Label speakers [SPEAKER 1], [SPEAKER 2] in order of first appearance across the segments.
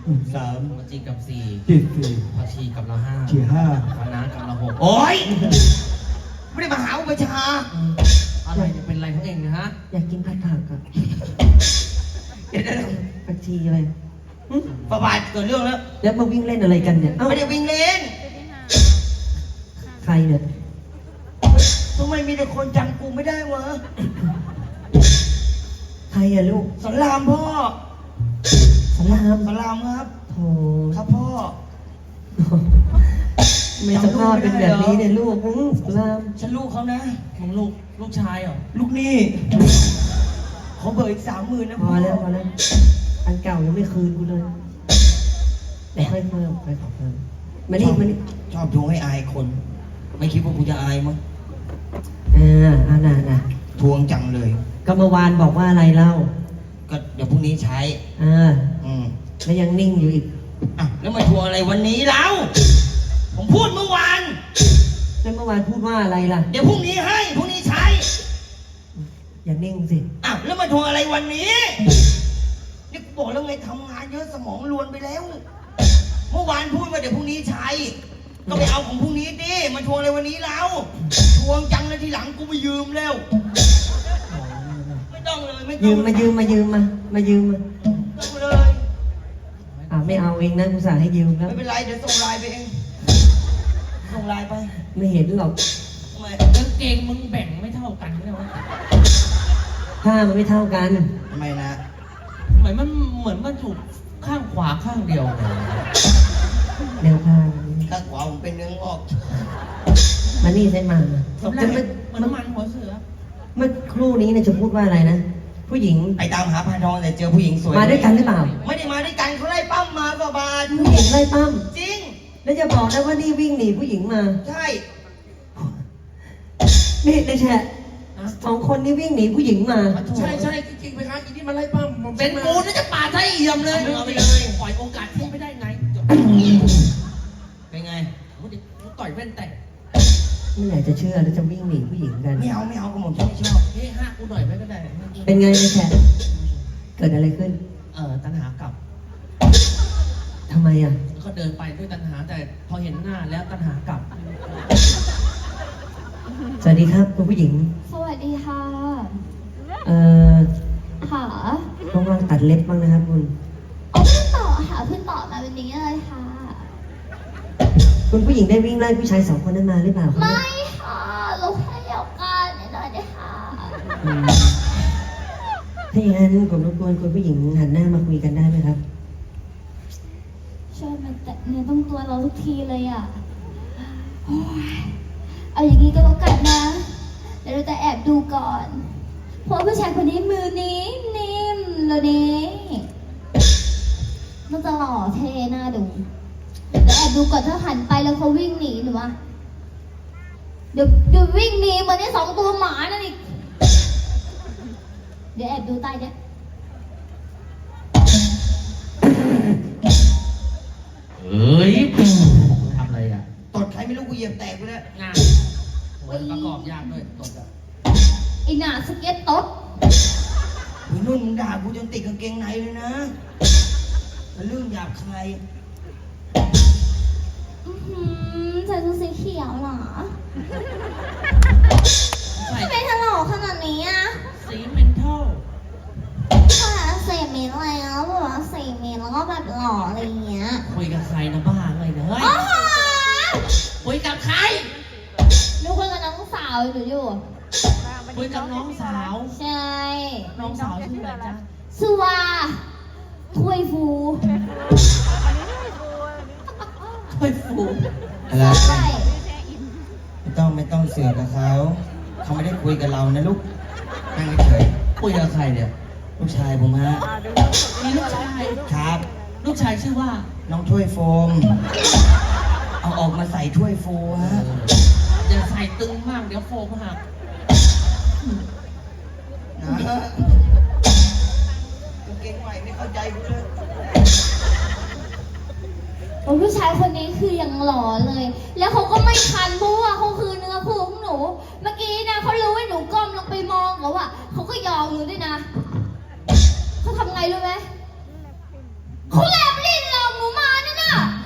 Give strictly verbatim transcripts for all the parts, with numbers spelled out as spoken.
[SPEAKER 1] สาม
[SPEAKER 2] วจีกับสี่
[SPEAKER 1] จิตสี่
[SPEAKER 2] ผักชีกับละห้า
[SPEAKER 1] จีห้า
[SPEAKER 2] คณะกับละหก
[SPEAKER 1] โอ้ยไม่ได้มาหาอุปชา
[SPEAKER 2] อะไรจะเป็นอะไรของเองนะฮะ
[SPEAKER 3] อยากกินผัดผักอ่ะ
[SPEAKER 1] เดี๋ยวเดี๋ยว
[SPEAKER 3] ผักชีอะไรหึ
[SPEAKER 1] ประบาทเกิดเรื่องแล้ว
[SPEAKER 3] แล้วมาวิ่งเล่นอะไรกันเนี่ย เอ้า
[SPEAKER 1] ไม่ได้วิ่งเล่น
[SPEAKER 3] ใครเนี่ย
[SPEAKER 1] ทำไมมีแต่คนจำกูไม่ได้วะ
[SPEAKER 3] ใครอะลูก
[SPEAKER 1] สอนรามพ่อ
[SPEAKER 3] สลาม
[SPEAKER 1] สอนรามครับ
[SPEAKER 3] โธ่
[SPEAKER 1] ครับพ่อ
[SPEAKER 3] ไม่สภาพเป็นแบบนี้เนี่ยลูกหึสลาม
[SPEAKER 1] ฉันลูกเขานะ
[SPEAKER 2] ของลูกลูกชายเหรอ
[SPEAKER 1] ลูกหนี่เขาเบิกอีกสามหมื่นนะ
[SPEAKER 3] พอแล้วพอแล้ว อันเก่ายังไม่คืนกูเลยแต่ค่อยเพิ่มค่อยขอเพิ่มมานี่มานี่
[SPEAKER 1] ชอบทวงให้อายคน ไม่คิดว่ากูจะอายมั้ง
[SPEAKER 3] อ่าอ่าน่ะน่ะ
[SPEAKER 1] ทวงจังเลย
[SPEAKER 3] ก็เมื่อวานบอกว่าอะไรเล่า
[SPEAKER 1] ก็เดี๋ยวพรุ่งนี้ใช้
[SPEAKER 3] อ่า
[SPEAKER 1] อืม
[SPEAKER 3] แล้วยังนิ่งอยู่อีก
[SPEAKER 1] อ่ะแล้วมาทวงอะไรวันนี้แล้ว ผมพูดเมื่อวาน
[SPEAKER 3] แล้วเมื่อวานพูดว่าอะไรล่ะ
[SPEAKER 1] เดี๋ยวพรุ่งนี้ให้พรุ่งนี้ใช้
[SPEAKER 3] อย่านิ่งสิ
[SPEAKER 1] อ้าวแล้วมาทวงอะไรวันนี้นี่กูบอกแล้วไงทำงานเยอะสมองรวนไปแล้ว เมื่อวานพูดว่าเดี๋ยวพรุ่งนี้ใช้ ก็ไปเอาของพรุ่งนี้ดิมาทวงอะไรวันนี้แล้วทวงจังเลยทีหลังกูไม่ยืมแล้ว ไม่ต้องเลยไม่ต้
[SPEAKER 3] ยื
[SPEAKER 1] อง
[SPEAKER 3] มมายืมมายืมมา มายืมมา
[SPEAKER 1] ต้องเลย
[SPEAKER 3] อ่าไม่เอาเองนะกูสั่งให้ยืมแล้ว
[SPEAKER 1] ไม่เป็นไรเดี๋ยวส่งไลน์ไปเองส่งไลน์ไป
[SPEAKER 3] ไม่เห็นหรอก
[SPEAKER 1] ทำไม
[SPEAKER 2] กางเกงมึงแบ่งไม่เท่ากันเนี่ยวะ
[SPEAKER 3] ผ้ามันไม่เท่ากัน
[SPEAKER 1] ทำไมนะ
[SPEAKER 2] เหมือนมันเหมือนมันถูกข้างขวาข้างเดียวเลย
[SPEAKER 3] แนวผ้า
[SPEAKER 1] ข้างขวาผมเป็นเนื้องอก
[SPEAKER 3] มานี่ใช่มา
[SPEAKER 2] สำ
[SPEAKER 3] จะ
[SPEAKER 2] เร็
[SPEAKER 3] เมื่
[SPEAKER 2] จ
[SPEAKER 3] อ
[SPEAKER 2] เหมือนมันหัวเสือ
[SPEAKER 3] เมื่อครู่นี้เนี่ยจะพูดว่าอะไรนะ ผู้หญิง
[SPEAKER 1] ไปตามหาพานทองแต่เจอผู้หญิงสวย
[SPEAKER 3] มาด้วยกันหรือเปล่า
[SPEAKER 1] ไม่ได้มาด้วยกันเขาไล่ปั้มมาประบาท
[SPEAKER 3] ผู้หญิงไล่ปั้ม
[SPEAKER 1] จริง
[SPEAKER 3] แล้วจะบอกนะว่านี่วิ่งหนีผู้หญิงมา
[SPEAKER 1] ใช่
[SPEAKER 3] นี่ในแชทสองคนนี้วิ่งหนีผู้หญิงมา
[SPEAKER 4] ใช่ใช่จริงๆไปครับอีนี่มาไล่ปั้มผม
[SPEAKER 2] เป็นกูน่าจะปาดไส้เอี่ยมเลย
[SPEAKER 1] เอาไปเลย
[SPEAKER 2] ปล่อยโอกาสที่ไม่ได้ไง
[SPEAKER 1] เป็นไง
[SPEAKER 2] กูดิกูต่อยแว่นแตก
[SPEAKER 3] ไม่อยากจะเชื่อแล้วจะวิ่งหนีผู้หญิงกัน
[SPEAKER 1] ไม่เอาไม่เอาก็ผมฉันไม่ชอบ
[SPEAKER 2] เฮ้ยห้ากูหน่อยไม่ก็ได้
[SPEAKER 3] เป็นไงในแชทเกิดอะไรขึ้น
[SPEAKER 2] เออตัณหากลับ
[SPEAKER 3] ทำไมอ่ะ
[SPEAKER 2] ก็เดินไปด้วยตัณหาแต่พอเห็นหน้าแล้วตัณหากลับ
[SPEAKER 3] สวัสดีครับคุณผู้หญิง
[SPEAKER 5] สวัสดีค่ะ
[SPEAKER 3] เอ่อ
[SPEAKER 5] ค่ะ
[SPEAKER 3] ต้องว่างตัดเล็บบ้างนะครับคุณ
[SPEAKER 5] โอ้เพิ่งต่อค่ะเพิ่งต่อมาวันนี้เลยค่ะ
[SPEAKER 3] คุณผู้หญิงได้วิ่งไล่ผู้ชายสองคนนั้นมาหรือเปล่าครับ
[SPEAKER 5] ไม่ค่ะลูกให้เดียวกันนิดหน่อยเดียวค่ะ
[SPEAKER 3] อืมถ้าอย่างนั้นผมรบกวนคุณผู้หญิงหันหน้ามาคุยกันได้ไหมครับ
[SPEAKER 5] ช่วยมาแตะเนื้อต้องตัวเราทุกทีเลยอ่ะโอ้ยเอาอย่างนี้ก็แล้วกันนะเดี๋ยวเราจะแอบดูก่อน เพราะผู้ชายคนนี้มือนิ่มนิ่มๆเลยนี่น่าจะหล่อเท่น่าดูเดี๋ยวแอบดูก่อนถ้าหันไปแล้วเขาวิ่งหนีหนูวะเดี๋ยวเดี๋ยววิ่งหนีเหมือนไอ้สองตัวหมานั่นอีกเดี๋ยวแอบดูใต้เนี่ย
[SPEAKER 2] เฮ้ยทำอะไรอ่ะ
[SPEAKER 1] ตดใครไม่รู้กูเหยียบแตกไปแล้ว
[SPEAKER 2] งานโอ้ยประกอบยากด้วยตดอ่ะ
[SPEAKER 5] ไอ้หน้าสเก็ตโต๊ด
[SPEAKER 1] พี่นุ่นมึงด่ากูจนติดกางเกงในเลยนะมันเรื่องหยาบคาย
[SPEAKER 5] อื้อหือใส่ชุดสีเขียวเหรอ
[SPEAKER 2] ใส่
[SPEAKER 5] ทำไมถลอกขนาดนี้อ่ะ
[SPEAKER 2] สีเมนทัล
[SPEAKER 5] ค่ะเสพเมนอะไรแล้วแบบว่าเสพเมนแล้วก็แบบหล่ออะไรอย่างเงี้ย
[SPEAKER 2] คุยกับใครนะบ้าเลยนะเฮ้ย
[SPEAKER 5] โอ้โห
[SPEAKER 2] คุยกับใคร
[SPEAKER 5] หนูคุยกับน้องสาวหนูอยู่
[SPEAKER 2] คุยกับน้องสาว
[SPEAKER 5] ใช่
[SPEAKER 2] น้องสาวชื่ออะไรจ๊ะ
[SPEAKER 5] สุวาถ้วยฟู
[SPEAKER 2] ถ้วยฟู
[SPEAKER 1] อะไร
[SPEAKER 5] ใช่
[SPEAKER 1] ไม่ต้องไม่ต้องเสือกกับเขาเขาไม่ได้คุยกับเรานะลูกนั่งเฉย
[SPEAKER 2] คุยกับใครเนี่ย
[SPEAKER 1] ๆลูกชายผมฮะ
[SPEAKER 2] มีลูกชาย
[SPEAKER 1] ครับ
[SPEAKER 2] ลูกชายชื่อว่า
[SPEAKER 1] น้องถ้วยโฟม เอาออกมาใส่ถ้วยโฟฮะ
[SPEAKER 2] อย่าใส่ตึงมากเดี๋ยวโฟมหัก
[SPEAKER 1] นะกางเกงใหม่ไม่เข้าใจกูเลย
[SPEAKER 5] โอ้ผู้ชายคนนี้คือยังหล่อเลย แล้วเขาก็ไม่คันเพราะว่าเขาคือเนื้อคู่ของหนู เมื่อกี้นะเขารู้ว่าหนูก้มลงไปมองเขาอะเขาก็ยอมหนูด้วยนะเขาทำไงรู้ไหมเขาแลบลิ้นเล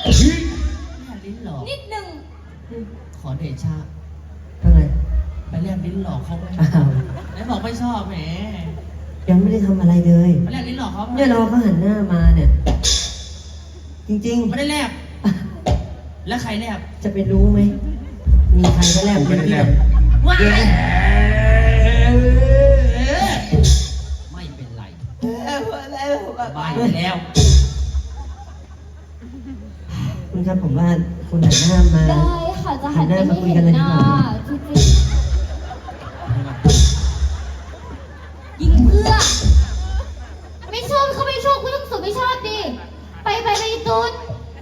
[SPEAKER 2] แลบลิ้นหลอก
[SPEAKER 5] นิดหนึ่ง
[SPEAKER 2] ขอเดชะ
[SPEAKER 3] ทำไม
[SPEAKER 2] ไปแลบลิ้นหลอกเขาไหม
[SPEAKER 3] อ้าว
[SPEAKER 2] ไหนบอกไม่ชอบแหม
[SPEAKER 3] ยังไม่ได้ทำอะไรเลย
[SPEAKER 2] ไปแลบลิ้นหลอกเขาไหม
[SPEAKER 3] เนี่ยรอเขาหันหน้ามาเนี่ย จริง
[SPEAKER 2] ไม่ได้แลบแล้วใครแลบ
[SPEAKER 3] ๆ จะไปรู้ไหม มีใครก็แลบ
[SPEAKER 4] ไม่ได้แลบ
[SPEAKER 2] ว้ายไม่เป็นไรบายไปแล้ว
[SPEAKER 3] คุณครับผมว่าคุณหันหน้ามา
[SPEAKER 5] ได้ค่ะจะหันไปให้เห็นหน้าจริงๆยิงเพื่อ ไม่ชอบเขาไม่ชอบคุณต้องสุดไม่ชอบดิ ไปไปไปตูน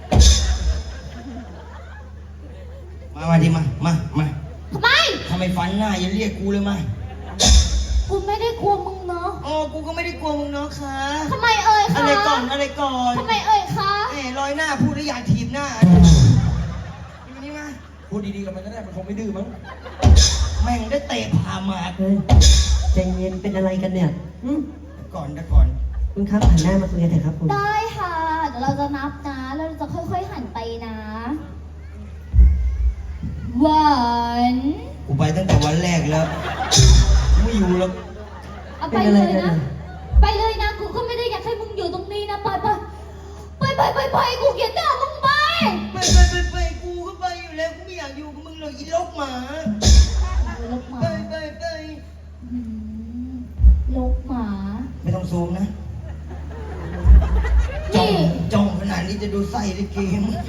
[SPEAKER 1] มามาดิมา มา มา
[SPEAKER 5] ทำไม
[SPEAKER 1] ทำไมฟันหน้าอย่าเรียกกูเลยมา
[SPEAKER 5] กูไม่ได้กลัวมึงเนาะ
[SPEAKER 1] อ๋อ กูก็ไม่ได้กลัวมึงเนาะค่ะ
[SPEAKER 5] ทำไมเอ่ยคะ
[SPEAKER 1] อะไรก่อน อะไรก่อน
[SPEAKER 5] ทำไมเอ่ยคะ
[SPEAKER 1] แหมรอยหน้าพูดแล้วอยากถีบหน้าอยู่นี่มา
[SPEAKER 4] พูดดีๆกับมันก็ได้มันคงไม่ดื้อมั้ง
[SPEAKER 1] แม่งได้เตะผ่าหมาก
[SPEAKER 3] เฮ้ยใจเย็นเป็นอะไรกันเนี่ยหึ
[SPEAKER 1] ก่อนนะก่อน
[SPEAKER 3] คุณครับหันหน้ามาคุยกันเถอะครับคุณ
[SPEAKER 5] ได้ค่ะ เดี๋ยวเราจะนับนะ แล้วเราจะค่อยๆหันไปนะวัน
[SPEAKER 1] กูไปตั้งแต่วันแรกแล้ว ไม่อยู่แล้ว
[SPEAKER 5] เอาไปเลยนะ ไปเลยนะ กูก็ไม่ได้อยากให้มึงอยู่ตรงนี้นะ ไปไปไปไปไปไปกูเกลียดหน้ามึงไป
[SPEAKER 1] ไปไปไปไปกูก็ไปอยู่แล้ว กูไม่อยากอยู่กับมึงเลยอีลกหมา
[SPEAKER 5] ลกหมา
[SPEAKER 1] ไปไปไป
[SPEAKER 5] อืมลกหมา
[SPEAKER 1] ไม่ต้องซูมนะ จ้อง
[SPEAKER 5] นี่
[SPEAKER 1] จ้องขนาดนี้จะดูไส้ลิเกมง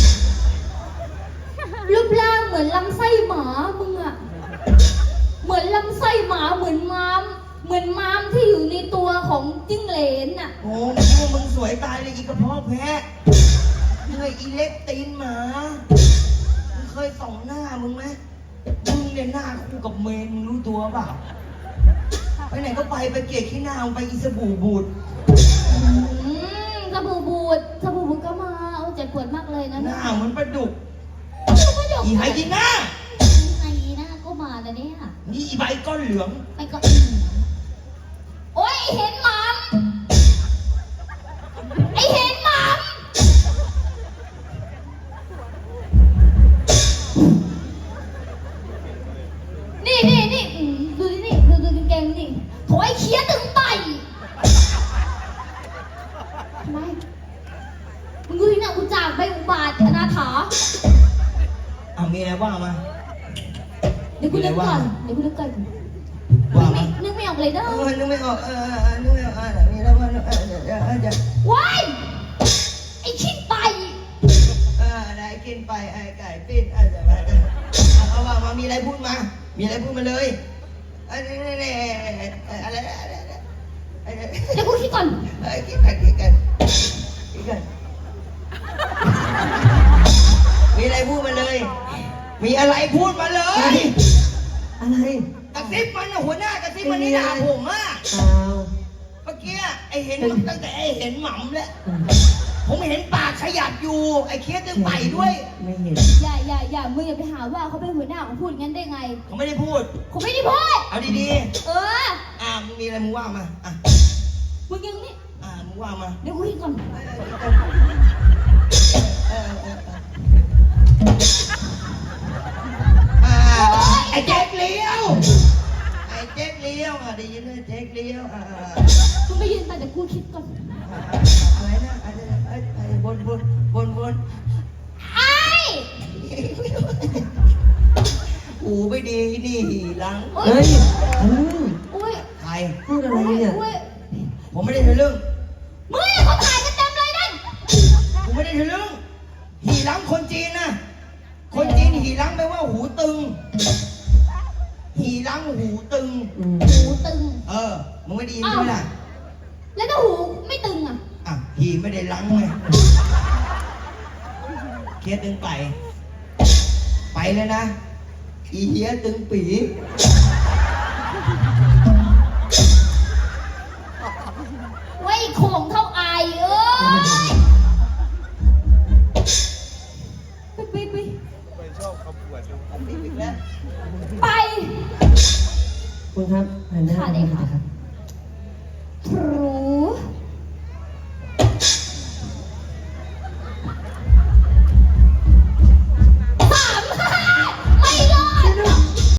[SPEAKER 5] รูปร่างเหมือนลำไส้หมามึงอะเหมือนลำไส้หมาเหมือนม้าม เหมือนม้ามที่อยู่ในตัวของจิ้งเหลนอะ
[SPEAKER 1] โอ้มึงคิดว่ามึงสวยตายเลยอีกระเพาะแพะเฮ้ยอีเล็กตีนหมา มึงเคยส่องหน้ามึงไหมมึงเนี่ยหน้าคู่กับเมนมึงรู้ตัวเปล่า ไปไหนก็ไปไปเกลียดขี้หน้ามึงไปอีสบู่บูด
[SPEAKER 5] อืมสบู่บูดสบู่บูดก็มาเอาเจ็บปวดมากเลยนะ
[SPEAKER 1] หน้าเหมือนปลาดุก
[SPEAKER 5] ก็ยก
[SPEAKER 1] อีไฮยีน่า
[SPEAKER 5] ไงนะก็มาแล้วเนี่ย
[SPEAKER 1] นี่อีใบก้อนเหลือง
[SPEAKER 5] ไปก็โอ้ยเห็นหมามไอเห็นหมามนี่นี่นี่อืมดูดินี่ดูดูกางเกงนี่โถไอเคี้ยตึงไตทำไมมึงดูที่หน้ากูจากไปอุบาทอนาถา
[SPEAKER 1] อ่ะมีอะไรว่ามา
[SPEAKER 5] เดี๋ยวกูนึกก่อนเดี๋ยวกูนึกก่อน
[SPEAKER 1] ว่ามา
[SPEAKER 5] นึกไม่ออกเลยเด้อ
[SPEAKER 1] เออนึกไม่ออกเออเออนึกไม่ออกอ่ะมีอะไรว่าเออเดี๋ยวเดี๋ยวเดี๋ยว
[SPEAKER 5] ว้ายไอชิดไป
[SPEAKER 1] เออได้กินไปไอ้ไก่ปิ้นเออเดี๋ยวเดี๋ยวเอาว่ามามีอะไรพูดมา มีอะไรพูดมาเลยเอันนี้นี่นี่อะไรอะไรอะไรอะไร
[SPEAKER 5] เดี๋ยวกูคิดก่อน
[SPEAKER 1] เออกินกันกินกันกินกันมีอะไรพูดมาเลย มีอะไรพูดมาเลย
[SPEAKER 3] อะไร
[SPEAKER 1] กระซิบมันนะหัวหน้ากระซิบมันนี่ด่าผมอ่ะ
[SPEAKER 3] เปล่า
[SPEAKER 1] เมื่อกี้ไอเห็นมันตั้งแต่ไอเห็นหม่ำแล้วผมเห็นปากขยับอยู่ ไอเคียดยังไปด้วย
[SPEAKER 3] ไม่เห็น
[SPEAKER 5] อย่าอย่าอย่ามึงอย่าไปหาว่าเขาเป็นหัวหน้าของพูดงั้นได้ไง
[SPEAKER 1] เขาไม่ได้พูด
[SPEAKER 5] ผมไม่ได้พูด
[SPEAKER 1] เอาดี
[SPEAKER 5] เออ
[SPEAKER 1] ๆอ่ามึงมีอะไรมึงว่ามาอ่ะ
[SPEAKER 5] มึงยังนี่
[SPEAKER 1] อ่ามึงว่ามา
[SPEAKER 5] เดี๋ยวกูคิดก่อน
[SPEAKER 1] เออเออเอออ่าไอแจ็คเลี้ยวไอแจ็คเลี้ยวอ่ะได้ยินไหมแจ็คเลี้ยวอ่า
[SPEAKER 5] มึงไม่ยืนไปแต่กูคิดก่อน
[SPEAKER 1] อะไรนะอะไรนะไอ้ไอ้บนบนบนบน
[SPEAKER 5] ไอ้
[SPEAKER 1] หูไม่ดีนี่หลัง
[SPEAKER 5] โอ๊
[SPEAKER 3] เฮ้ยอืม
[SPEAKER 5] อุ้ย
[SPEAKER 1] ใคร
[SPEAKER 3] พูดอะไรเนี่ย
[SPEAKER 5] อุ้ย
[SPEAKER 1] ผมไม่ได้ทะลึ่ง
[SPEAKER 5] มึงเนี่ยเขาถ่ายกันเต็มเลยนั่น
[SPEAKER 1] ผมไม่ได้ทะลึ่งหีหลังคนจีนนะคนจีนหีหลังแปลว่าหูตึง หีหลังหูตึง
[SPEAKER 3] อืม
[SPEAKER 5] หูตึง
[SPEAKER 1] เออมึงไม่ได้ยินใช่ไหมล่ะ
[SPEAKER 5] แล้วถ้าหูไม่ตึงอ่ะ
[SPEAKER 1] อ่ะหีไม่ได้หลังไงเคสตึงไป ไปเลยนะ อีเหี้ยตึงปี
[SPEAKER 5] ไว้โข่งเท่าไอายเอ้ยไปไปไป
[SPEAKER 1] อีกแล้ว
[SPEAKER 5] ไป
[SPEAKER 3] คุณครับหันหน้ามาคุยกันเถอะครับ